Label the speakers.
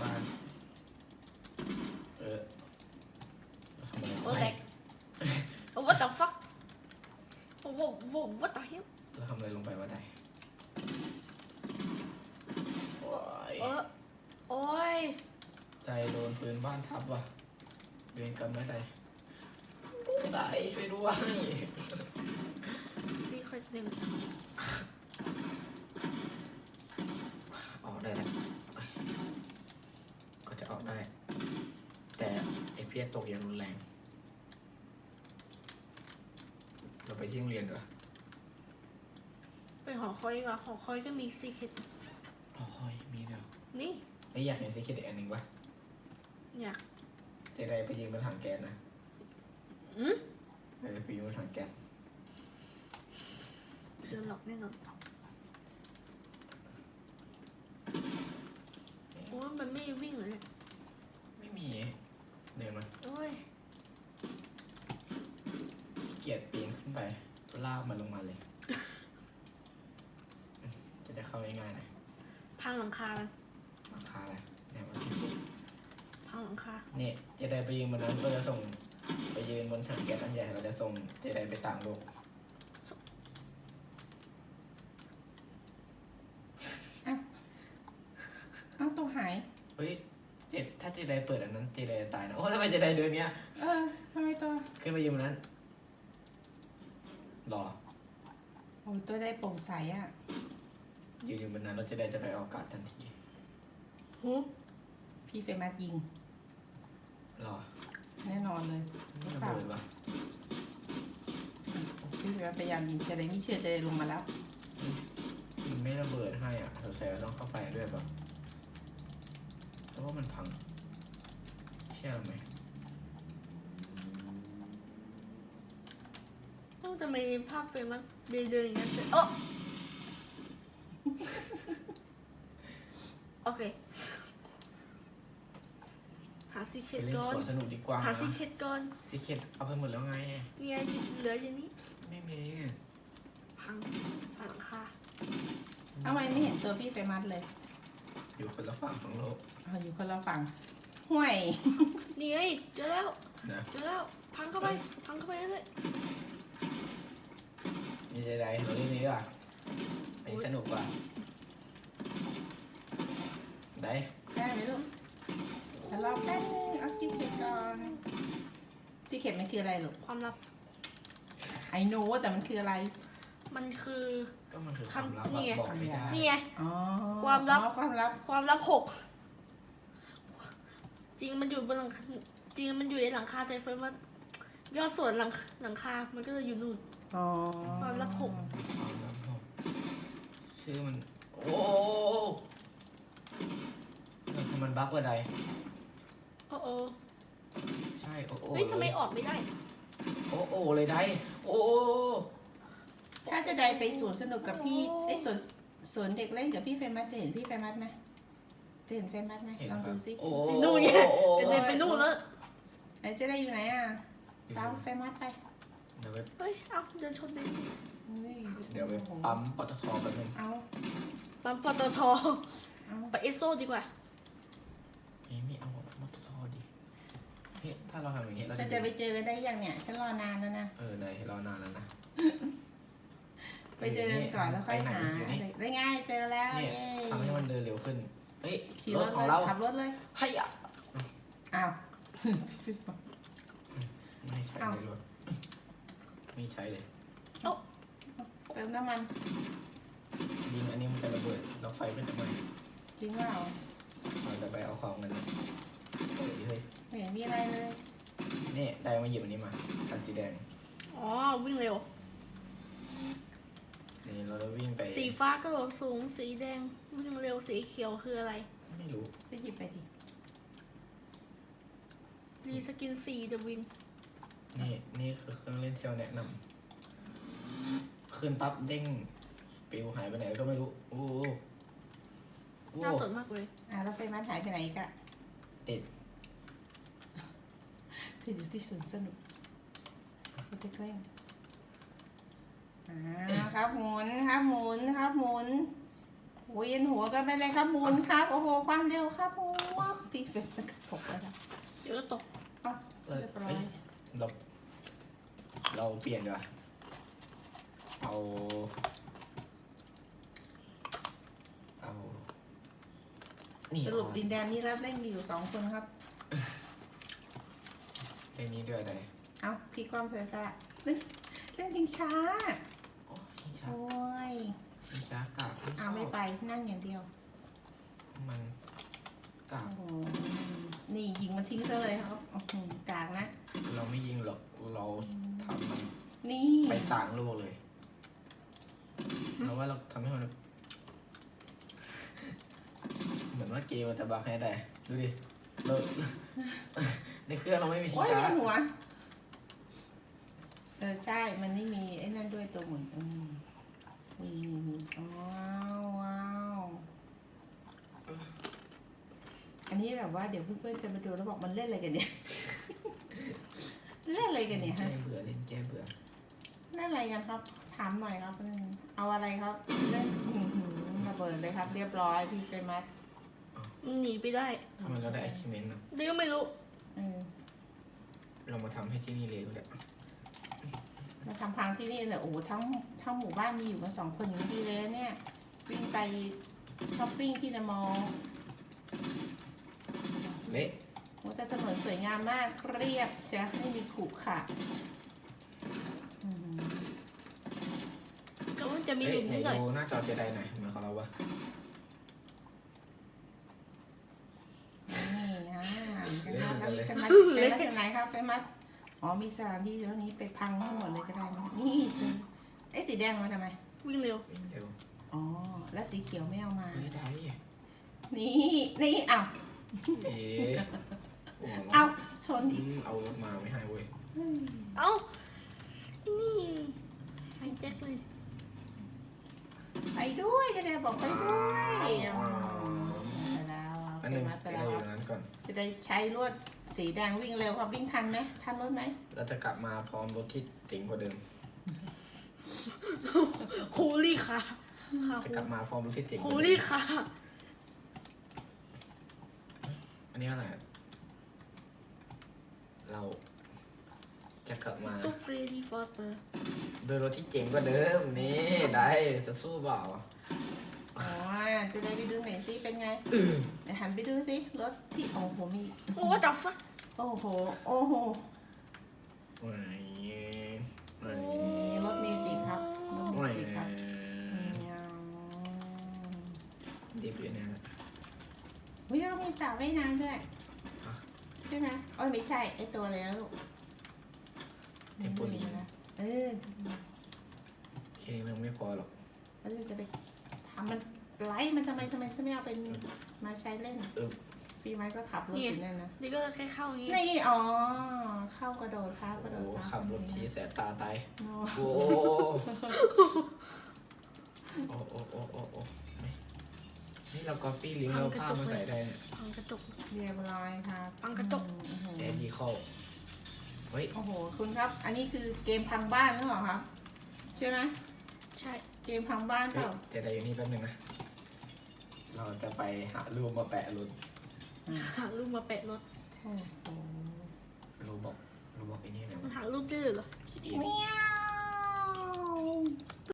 Speaker 1: บ้าน
Speaker 2: โอ้แตกโอ้ what the fuck โอ้ what the hell
Speaker 1: เราทำอะไรลงไปวะได้โอ้ย
Speaker 2: โอ้ย
Speaker 1: ใจโดนปืนบ้านทับว่ะเวรกรรมไม่ได้ได้ช่วยด้วย
Speaker 2: พี่ค่อยหนึ่ง
Speaker 1: ออกได้แล้วก็จะออกได้ แต่ไอเพี้ยตกอย่างรุนแรงเราไปที่โรงเรียนดีกว่า
Speaker 2: ไปหอคอยดีกว่าหอคอยก็มีซีเคท
Speaker 1: อ๋อคอยมีเดียว
Speaker 2: นี่
Speaker 1: ไม่อยากเห็นซีเคทอีกอันหนึ่งวะ
Speaker 2: อยาก
Speaker 1: จะได้ไปยิงบนถังแก๊สนะไปยิงบนถังแก๊ส
Speaker 2: เดินหลอกแน่นอนโอ้ยมันไม่วิ่งเลย
Speaker 1: ไม่มีเดินมา
Speaker 2: โอ้ย
Speaker 1: เกียดปีนขึ้นไปลากมันลงมาเลย จะได้เข้าง่ายๆหน่อย
Speaker 2: พังหลังคามัน
Speaker 1: ราคาอะไรเนี่ยมัน
Speaker 2: พังหลังคา
Speaker 1: นี่จะได้ไปยิงบนนั้นก็จะส่งไปยืนบนถังแก๊สอันใหญ่เราจะส่งจะได้ไปต่างโลก
Speaker 3: เอาตัวหาย
Speaker 1: เฮ้ยถ้าเจไดเปิดอันนั้นเจไดจะตายนะโอ้ทำไมเจไดเดินเนี้ย
Speaker 3: ทำไมตัว
Speaker 1: ขึ้นไปยืนบนนั้นรอ
Speaker 3: โอ้ตัวได้โปร่งใสอ่ะ
Speaker 1: ยืนอยู่บนนั้นแล้วเจไดจะไปออกอากาศทันที
Speaker 2: หู
Speaker 3: พี่เฟมัสยิง
Speaker 1: รอ
Speaker 3: แน่นอนเลย
Speaker 1: ไม่ระเบิดวะ
Speaker 3: พี่เฟมัสพยายามยิงจะได้ไม่เชื่อจะได้ลงมาแล้ว
Speaker 1: มันไม่ระเบิดให้อ่ะสงสัยเราต้องเข้าไปด้วยป่ะเพราะว่ามันพังเชื่อไหม
Speaker 2: ต้องจะมีภาพเฟรมมั้งเดินอย่างนั้นเลยโอ้โอเคหาซีเค
Speaker 1: ไป
Speaker 2: ท
Speaker 1: เล่น
Speaker 2: ก่อน
Speaker 1: สวนสนุกดีกว่า
Speaker 2: หาซีเคทก่อน
Speaker 1: ซีเคทเอาไปหมดแล้วไง
Speaker 2: เนี่ยเหลืออย่างนี้
Speaker 1: ไม่มี
Speaker 2: พังหลังคา
Speaker 3: เอาไว้ไม่เห็นตัวพี่เฟมัสเลย
Speaker 1: อยู่คนละฝั่งของโลก
Speaker 3: เอาอยู่คนละฝั่งห่วย
Speaker 2: นี่ไงเจอแล้ว
Speaker 1: นะ
Speaker 2: เจอแล้วพังเข้าไปพังเข้าไปเลย
Speaker 1: นี่เจไดเราเล่นนี้ดีกว่าอันนี้สนุกกว่าได้
Speaker 3: ได้ไหมลูกเดี๋ยวรอแป๊บนึงเอาซีเคทก่อนซีเคทมันคืออะไรลูก
Speaker 2: ความลับ
Speaker 3: ไอโน้แต่มันคืออะไร
Speaker 2: มันคือ
Speaker 1: ก็มันคือความลับ
Speaker 2: นี่ไง
Speaker 1: บอกไม่ได้
Speaker 2: นี่ไง
Speaker 3: อ๋อ
Speaker 2: ความลับ
Speaker 3: ความลับ
Speaker 2: ความลับ6จริงมันอยู่บนหลังจริงมันอยู่ในหลังคาแต่เฟิร์นว่ายอดส่วนหลังคา มันก็เลยอยู่นู่น
Speaker 3: อ๋อ
Speaker 2: ความลับ
Speaker 1: ความลับบอกชื่อมันโอ้มันคือมันบั๊กว่าใด
Speaker 2: โอ้โอ
Speaker 1: ใช่โอ้โอ้
Speaker 2: เฮ้ยทำไมออกไม่ได้
Speaker 1: โอ้โอ้เลยได้โอ้
Speaker 3: ถ้าจะได้ไปสวนสนุกกับพี่ไอยสวนเด็กเล่นกับพี่เฟมัสจะเห็นพี่เฟมัสไหมจะเห็นเฟมัสไหม
Speaker 1: เห็น
Speaker 3: ลอง
Speaker 1: ครั
Speaker 3: ดู
Speaker 1: บ
Speaker 3: สิ
Speaker 1: โอ้
Speaker 2: สินู่นไงจะเดินไปนู่นแล้ว
Speaker 3: ไอจะได้อยู่ไหนอ่ะตามเฟมัสไป
Speaker 1: เดี๋ยวไป
Speaker 2: เฮ้ย เอาเดินชนเลย
Speaker 1: เดี๋ยวไปปั๊มปตทแป๊บนึง
Speaker 3: เอา
Speaker 2: ปั๊มปตท
Speaker 3: เอา
Speaker 2: ไปเอสโซดีกว่า
Speaker 1: เฮ้ยไม่เอาปตทดิเฮ้ยถ้าเราทำอย่างนี้เรา
Speaker 3: จะไปเจอกันได้ยังเนี่ยฉันรอนานแล้วนะ
Speaker 1: ได้รอนานแล้วนะ
Speaker 3: ไปเจอกันก่อนแล้วค่อยหาได้ง่ายเจอแล้ว
Speaker 1: เนี่ย
Speaker 3: เย้
Speaker 1: ทำให้มันเดินเร็วขึ้นเฮ้ย
Speaker 3: ขี่
Speaker 1: ร
Speaker 3: ร
Speaker 1: ถ
Speaker 3: ถ
Speaker 1: ของ
Speaker 3: เลย
Speaker 1: เรา
Speaker 3: ขับรถเลย
Speaker 1: ให้อ่ะ
Speaker 3: อ้าว
Speaker 1: ไม่ใช่ในรถไม่ใช่เลย
Speaker 3: เติมน้ำมัน
Speaker 1: ยิงอันนี้มันจะระเบิดแล้วไฟมันจะไหม้
Speaker 3: จริงเปล่า
Speaker 1: เราจะไปเอาของกันนะเฮ้ยเฮ้ย
Speaker 3: ไม่เห็นมีอะไรเลย
Speaker 1: นี่ได้มาหยิบอันนี้มาคันสีแดง
Speaker 2: อ๋อ วิ่งเร็ว
Speaker 1: นี่เราจะวิ่งไป
Speaker 2: สีฟ้ากระโดดสูง สีแดง วิ่งเร็ว สีเขียวคืออะไร
Speaker 1: ไม่รู้
Speaker 3: จะหยิบไปดิ
Speaker 2: รีสกินสีเดวิน
Speaker 1: นี่คือเครื่องเล่นที่เราแนะนำขึ้นปั๊บเด้งปิวหายไปไหนก็ไม่รู้โอ้โหโอ้
Speaker 2: น่า
Speaker 1: โห
Speaker 2: สนมากเลย
Speaker 3: แล้วเฟมัสหายไปไหนอีกัน
Speaker 1: ติด
Speaker 3: คืออยู่ที่สวนสนุกเขาจะแกล้งครับหมุนครับหมุนครับหมุนโอ้ยเย็นหัวกันไปเลยครับหมุนครับโอ้โหความเร็วครับหมุนพี่เฟซมันกระตกแล้วนะ
Speaker 2: เดี๋ยวก็ตก
Speaker 3: อ่ะ
Speaker 1: เออ
Speaker 3: เรียบร้อย
Speaker 1: เอ้ยเราเปลี่ยนดีกว่าเอานี่
Speaker 3: สรุปดินแดนนี้รับเล่นมีอยู่2 คนครับ
Speaker 1: ไอ้นี้ด้วยอะไร
Speaker 3: เอาพี่ความเสียสละเล่นเล่นจริงช้า
Speaker 1: โอ้ชิงช้า
Speaker 3: โอ้ย
Speaker 1: ชิงช้ากาก
Speaker 3: เอาไม่ไปนั่งอย่างเดียว
Speaker 1: มันกาก
Speaker 3: โอ้โหนี่ยิงมันทิ้งซะเลยครับอื้อหือกลางนะ
Speaker 1: เราไม่ยิงหรอกเราทำมัน
Speaker 3: นี่
Speaker 1: ไปต่างโลกเลยเราว่าเราทำให้มันเหมือนว่าเกมมันจะบักให้ได้ดูดิเรา ในเครื่องเราไม่มีชิง
Speaker 3: โอ้ย
Speaker 1: ช้า
Speaker 3: เวียนหัวใช่มันไม่มีไอ้นั่นด้วยตัวหมุนมีว้าวว้าวอันนี้แบบว่าเดี๋ยวเพื่อนๆจะมาดูแล้วบอกมันเล่นอะไรกันเนี่ย เล่นอะไรกันเนี่ย
Speaker 1: แก้
Speaker 3: ฮะ
Speaker 1: เบื่อเล่นแก้เบื่อ
Speaker 3: เล่นอะไรกันครับ ถามหน่อยครับเอาอะไรครับ เล่นระเบิดเลยครับ เรียบร้อยพี่เฟมัส
Speaker 2: หนีไปได้
Speaker 1: ทำไมเราได้ achievement นะ
Speaker 2: เดี๋ยวก็ไม่รู้
Speaker 3: เออ
Speaker 1: เรามาทำให้ที่นี่เลยก็ได้
Speaker 3: มาทำพังที่นี่เลยโอ้โหทั้งหมู่บ้านมีอยู่กัน2 คนอย่างนี้ดีเลยนะเนี่ย วิ่งไปช้อปปิ้งที่เดอะมอลล์
Speaker 1: เละ
Speaker 3: โอ้แต่ถนนสวยงามมากเรียบใช่ไม่มีขรุขระอืม
Speaker 2: ก็จะมีห
Speaker 1: เอ๊ะ
Speaker 2: ลุม
Speaker 1: ไหน
Speaker 2: นิดหน่อย
Speaker 1: ดูหน้าจอเจไดหน่อยมาของเราวะ
Speaker 3: นี่แล้วมีเฟมัสอยู่ไหนครับเฟมัสอ๋อมีสถานที่เดี๋ยวนี้ไปพังทั้งหมดเลยก็ได้นะนี่เจอไอ้สีแดงมาทำไม
Speaker 2: วิ่งเร็ว
Speaker 1: วิ่งเร็ว
Speaker 3: อ๋อแล้วสีเขียวไม่เอามา
Speaker 1: เฮ้ยได้
Speaker 3: นี่อ้าว
Speaker 1: เอ๊ะโอ้โห
Speaker 3: เอาชนอีก
Speaker 1: เอารถมาไม่ให้เว้ย
Speaker 2: เอ้า นี่ไอ้แจ็คเลย
Speaker 3: ไปด้วยจะได้บอกไปด้วยอ๋อไปแล้ว
Speaker 1: อัน
Speaker 3: เฟ
Speaker 1: นึง
Speaker 3: มัสไป
Speaker 1: ไป
Speaker 3: แล้
Speaker 1: เรา
Speaker 3: ว
Speaker 1: อยู่นั้นก่อน
Speaker 3: จะได้ใช้ลวดสีแดงวิ่งเร็วครับวิ่งทันไหมทันรถไหม
Speaker 1: เราจะกลับมาพร้อมรถที่เจ๋งกว่าเดิม
Speaker 2: โฮลี่ค่ะค่ะ
Speaker 1: จะกลับมาพร้อมรถที่เจ๋งก
Speaker 2: โฮ
Speaker 1: ว่าเดิ
Speaker 2: ลี่
Speaker 1: ม
Speaker 2: ค่ะ
Speaker 1: อันนี้อะไรอะเราจะกลับมา
Speaker 2: ตุ๊กเฟรดี้ฟอร์เตอร์
Speaker 1: โดยรถที่เจ๋งกว่าเดิมนี่ได้จะสู้เปล่า
Speaker 3: อ๋อจะได้ไปดูหน่อยสิเป็นไงเดี๋ยวหันไปดูสิรถที่โอ้โหมี
Speaker 2: โอ้จับฟัก
Speaker 3: โอ้โหโอ้โห
Speaker 1: ไหนไหน
Speaker 3: นี่รถเมจิครับรถเม
Speaker 1: ไหน
Speaker 3: จิครับ
Speaker 1: ดิบอยู่เนี่ย
Speaker 3: วิเรามีสระว่ายน้ำด้วยใช่ไหมโอ้ยไม่ใช่ไอตัวแล้วลูก
Speaker 1: เทมโพลีน
Speaker 3: เออ
Speaker 1: แค่นี้มันไม่พอหรอก
Speaker 3: แล้วจะไปทำมันไล่มันทำไมไม่เอาเป็นมาใช้เล่น
Speaker 1: เออ
Speaker 3: ปีไม้ก็ขับรถอยู่นั่นนะ
Speaker 2: นี่ก็แค่เข้าอย่างงี้
Speaker 3: นี่อ๋อเข้ากระโดดครับกระโด
Speaker 1: โอ้
Speaker 3: ด
Speaker 1: ขับรถทีแสบตาตาย
Speaker 3: โอ้
Speaker 1: โอ้โอ้โอ้โอ้โอ้โอ้ไม่นี่เราก๊อปปี้ลิงก์เราภาพมาใส่ได้เนี่ย
Speaker 2: พังกระจก
Speaker 3: เรียบร้อยครับ
Speaker 2: ปังกระจก
Speaker 1: แอดดีเข้าเฮ้ย
Speaker 3: โอ้โหคุณครับ อันนี้คือเกมพังบ้านหรือเปล่าครับ ใช่ไหม
Speaker 2: ใช่
Speaker 3: เกมพังบ้านเป
Speaker 1: เฮ้ย
Speaker 3: ล่า
Speaker 1: เจไดอยู่นี่แป๊บนึงนะ เราจะไปหารูปมาแปะรถ
Speaker 2: หารูปมาแปะรถ
Speaker 3: โอ้โห
Speaker 1: รูปบอกไอ้นี่นะ
Speaker 2: มันหารูปได้เลยเหรอ
Speaker 1: คิดเอง
Speaker 3: เมียว